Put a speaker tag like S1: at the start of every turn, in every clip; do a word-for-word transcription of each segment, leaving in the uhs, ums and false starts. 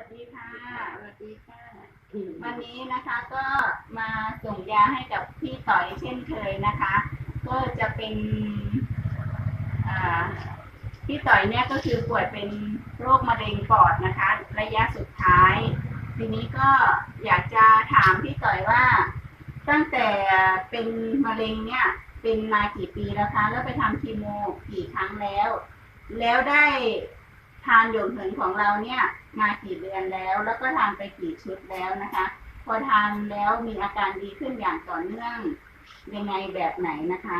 S1: วัสดีค่ะ
S2: สวัสดีค่ะ
S1: วันนี้นะคะก็มาส่งยาให้กับพี่ต่อยเช่นเคยนะคะ ก็จะเป็นพี่ต่อยเนี่ยก็คือป่วยเป็นโรคมะเร็งปอดนะคะระยะสุดท้าย ทีนี้ก็อยากจะถามพี่ต่อยว่าตั้งแต่เป็นมะเร็งเนี่ยเป็นมากี่ปีแล้วคะแล้วไปทำคีโมกี่ครั้งแล้ว แล้วได้ทานหยกเหินของเราเนี่ยมากี่เดือนแล้ว แล้วก็ทานไปกี่ชุดแล้วนะคะ พอทานแล้วมีอาการดีขึ้นอย่างต่อเนื่องยังไงแบบไหนนะคะ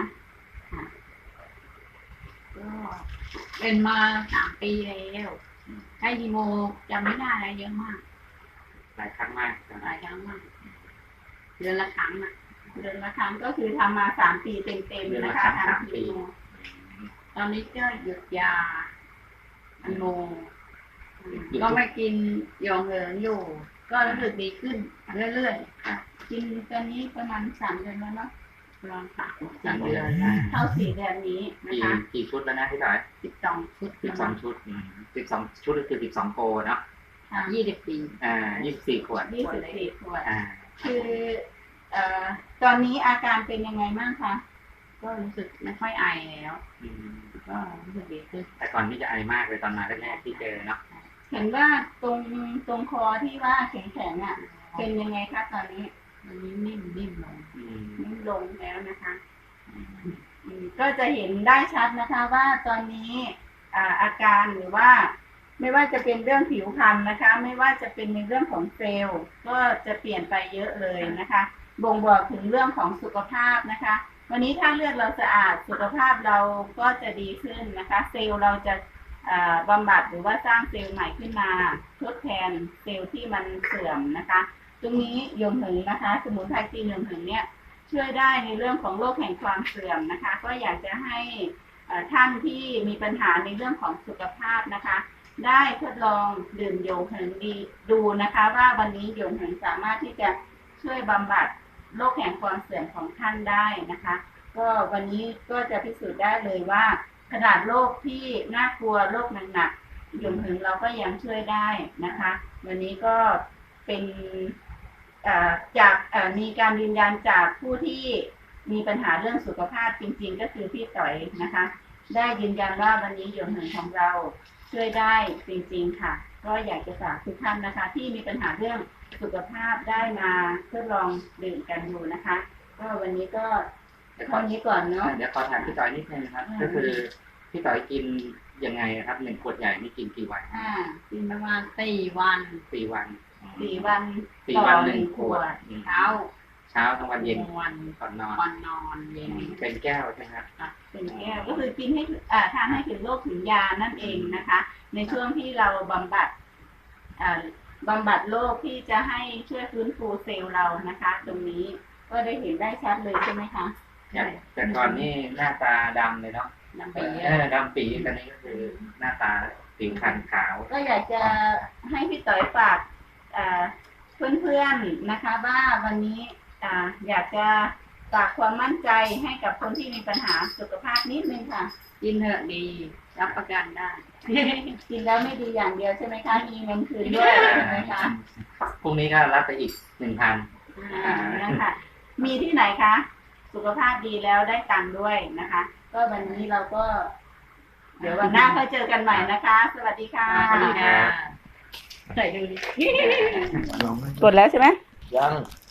S2: ก็เป็นมาสามปีแล้วให้ยีโมจำไม่ได้แล้วเยอะมาก
S3: หลายครั้งมาก
S2: หลายครั้งมากเดือนละครั้งอ่ะ
S1: เดือนละครั้งก็คือทำมาสามปีเต็มๆนะคะทำคีโม
S2: ตอนนี้ก็หยุดยายีโมก็ไม่กินยองเหินอยู่ ก็รู้สึกดีขึ้นเรื่อย
S1: ๆกินตอนนี้ประมาณสามเดือนแล้วเนาะ
S2: ประมาณสาม
S3: สี่เดือน
S1: เข้าสี่เดือนนี้นะคะ
S3: กี่ชุดแล้วนะพี่ต่อย
S2: สิบสองชุด
S3: สิบสองชุดสิบสองชุดคือสิบสองโกเนาะ
S2: ยี่สิบปี
S3: อ่ายี่สิบสี่ขวด
S1: ยี่สิบสี่ขวด
S3: อ่า
S1: คือเอ่อตอนนี้อาการเป็นยังไงบ้างคะ
S2: ก็รู้สึกไม่ค่อยไอแล้วก็รู้สึกดีขึ้น
S3: แต่ก่อนที่จะไอมากเลยตอนมาแรกๆที่เจอเนาะ
S1: เห็นว่าตรงตรงคอที่ว่าแข็งๆอ่ะเป็นยังไงคะตอนนี้
S2: ตอนนี้นิ่มนิ่มลง
S1: นิ่มลงแล้วนะคะก็จะเห็นได้ชัดนะคะว่าตอนนี้อาการหรือว่าไม่ว่าจะเป็นเรื่องผิวพรรณนะคะไม่ว่าจะเป็นในเรื่องของเซลล์ก็จะเปลี่ยนไปเยอะเลยนะคะบ่งบอกถึงเรื่องของสุขภาพนะคะวันนี้ถ้าเลือดเราสะอาดสุขภาพเราก็จะดีขึ้นนะคะเซลล์เราจะบำบัดหรือว่าสร้างเซลล์ใหม่ขึ้นมาทดแทนเซลล์ที่มันเสื่อมนะคะตรงนี้ยงเหิงนะคะสมุนไพรจีนยงเหิงเนี่ยช่วยได้ในเรื่องของโรคแห่งความเสื่อมนะคะก็อยากจะให้ท่านที่มีปัญหาในเรื่องของสุขภาพนะคะได้ทดลองดื่มโยงเหิงดีดูนะคะว่าวันนี้โยงเหิงสามารถที่จะช่วยบำบัดโรคแห่งความเสื่อมของท่านได้นะคะก็วันนี้ก็จะพิสูจน์ได้เลยว่าขนาดโรคที่น่ากลัวโรคหนักๆโยงเหิงเราก็ยังช่วยได้นะคะวันนี้ก็เป็นจากมีการยืนยันจากผู้ที่มีปัญหาเรื่องสุขภาพจริงๆก็คือพี่ต่อยนะคะได้ยืนยันว่าวันนี้โยงเหิงของเราช่วยได้จริงๆค่ะก็อยากจะฝากทุกท่านนะคะที่มีปัญหาเรื่องสุขภาพได้มาทดลองดื่มกันดูนะคะก็วันนี้ก็เท่านี้ก่อนเนาะ
S3: เดี๋ยวขอถามพี่ต่อยนิดนึงครับก็คือพี่ต่อยกินยังไงครับหนึ่งขวดใหญ่นี่กินกี่วัน
S2: อ่ากินประมาณสี่วัน
S3: สี่วัน
S1: สี่วัน
S3: สี่วันหนึ่งขวด
S2: เช้า
S3: เช้าทั้งวันเย็น
S2: วัน
S3: ก่อนนอน
S2: ก่อนนอนเย็น
S3: เป็นแก้วใช่ไหมครับ
S1: เป็นแก้วก็คือกินให้อ่าทานให้ถึงโรคถึงยานั่นเองนะคะในช่วงที่เราบำบัดอ่าบำบัดโรคที่จะให้ช่วยฟื้นฟูเซลล์เรานะคะตรงนี้ก็ได้เห็นได้ชัดเลยใช่ไหมคะ
S3: ใช่แต่ก่อนนี่หน้าตาดำเลยเนาะ
S2: ดำปี
S3: เออดำปีตอนนี้ก็คือหน้าตาผิวพรรณขาว
S1: ก็อยากจะให้พี่ต่อยฝากเพื่อนๆนะคะว่าวันนี้อยากจะฝากความมั่นใจให้กับคนที่มีปัญหาสุขภาพนิดนึงค่ะ
S2: กินเถอะดีรับประกันได้
S1: กินแล้วไม่ดีอย่างเดียวใช่ไหมคะมีเงินคืนด้วยใช่ไหมคะ
S3: พรุ่งนี้ก็รับไปอีกหนึ่งพัน
S1: นะคะมีที่ไหนคะสุขภาพดีแล้วได้ตังค์ด้วยนะคะก็วันนี้เราก็ เดี๋ยววันหน้าค่อยเจอกันใหม่นะคะสวัสดีค่ะ
S2: สวัสดีค่ะใส่ดูดิ
S1: กดแล้วใช่ไหม
S3: ยัง